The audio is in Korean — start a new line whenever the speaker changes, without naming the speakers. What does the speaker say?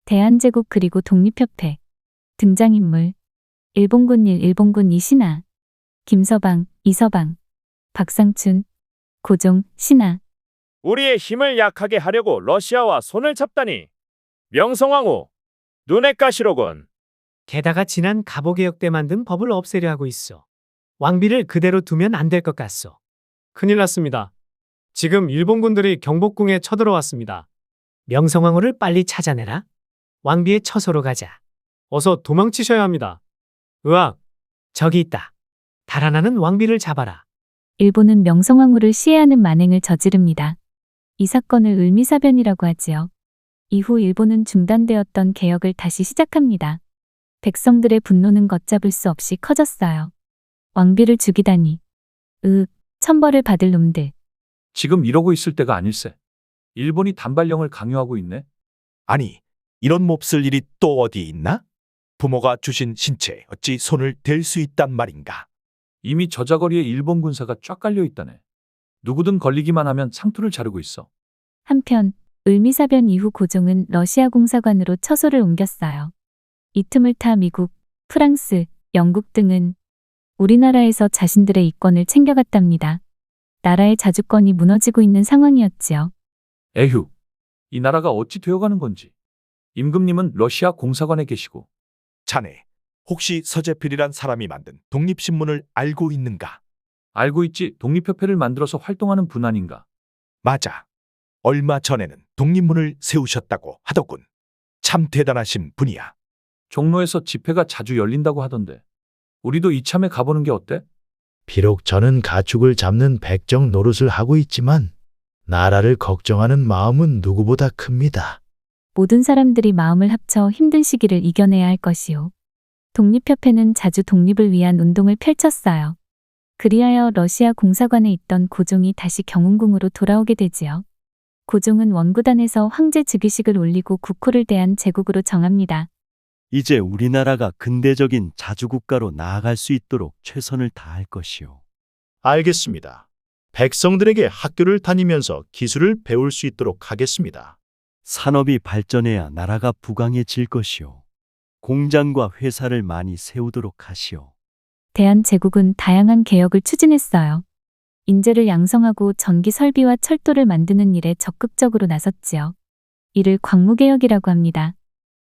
대한제국 그리고 독립협회. 등장인물. 일본군 1, 일본군 2 신하. 김서방, 이서방. 박상춘, 고종, 신하.
우리의 힘을 약하게 하려고 러시아와 손을 잡다니. 명성황후, 눈엣 가시로군.
게다가 지난 갑오개혁 때 만든 법을 없애려 하고 있어. 왕비를 그대로 두면 안 될 것 같소. 큰일 났습니다. 지금 일본군들이 경복궁에 쳐들어왔습니다. 명성황후를 빨리 찾아내라. 왕비의 처소로 가자. 어서 도망치셔야 합니다. 으악, 저기 있다. 달아나는 왕비를 잡아라.
일본은 명성황후를 시해하는 만행을 저지릅니다. 이 사건을 을미사변이라고 하지요. 이후 일본은 중단되었던 개혁을 다시 시작합니다. 백성들의 분노는 걷잡을 수 없이 커졌어요. 왕비를 죽이다니. 천벌을 받을 놈들.
지금 이러고 있을 때가 아닐세. 일본이 단발령을 강요하고 있네.
아니, 이런 몹쓸 일이 또 어디 있나? 부모가 주신 신체에 어찌 손을 댈 수 있단 말인가?
이미 저자거리에 일본 군사가 쫙 깔려 있다네. 누구든 걸리기만 하면 상투를 자르고 있어.
한편 을미사변 이후 고종은 러시아 공사관으로 처소를 옮겼어요. 이 틈을 타 미국, 프랑스, 영국 등은 우리나라에서 자신들의 이권을 챙겨갔답니다. 나라의 자주권이 무너지고 있는 상황이었지요.
에휴, 이 나라가 어찌 되어가는 건지. 임금님은 러시아 공사관에 계시고.
자네, 혹시 서재필이란 사람이 만든 독립신문을 알고 있는가?
알고 있지. 독립협회를 만들어서 활동하는 분 아닌가.
맞아. 얼마 전에는 독립문을 세우셨다고 하더군. 참 대단하신 분이야.
종로에서 집회가 자주 열린다고 하던데. 우리도 이참에 가보는 게 어때?
비록 저는 가축을 잡는 백정 노릇을 하고 있지만 나라를 걱정하는 마음은 누구보다 큽니다.
모든 사람들이 마음을 합쳐 힘든 시기를 이겨내야 할 것이요. 독립협회는 자주 독립을 위한 운동을 펼쳤어요. 그리하여 러시아 공사관에 있던 고종이 다시 경운궁으로 돌아오게 되지요. 고종은 원구단에서 황제 즉위식을 올리고 국호를 대한 제국으로 정합니다.
이제 우리나라가 근대적인 자주국가로 나아갈 수 있도록 최선을 다할 것이요.
알겠습니다. 백성들에게 학교를 다니면서 기술을 배울 수 있도록 하겠습니다.
산업이 발전해야 나라가 부강해질 것이요. 공장과 회사를 많이 세우도록 하시오.
대한제국은 다양한 개혁을 추진했어요. 인재를 양성하고 전기 설비와 철도를 만드는 일에 적극적으로 나섰지요. 이를 광무개혁이라고 합니다.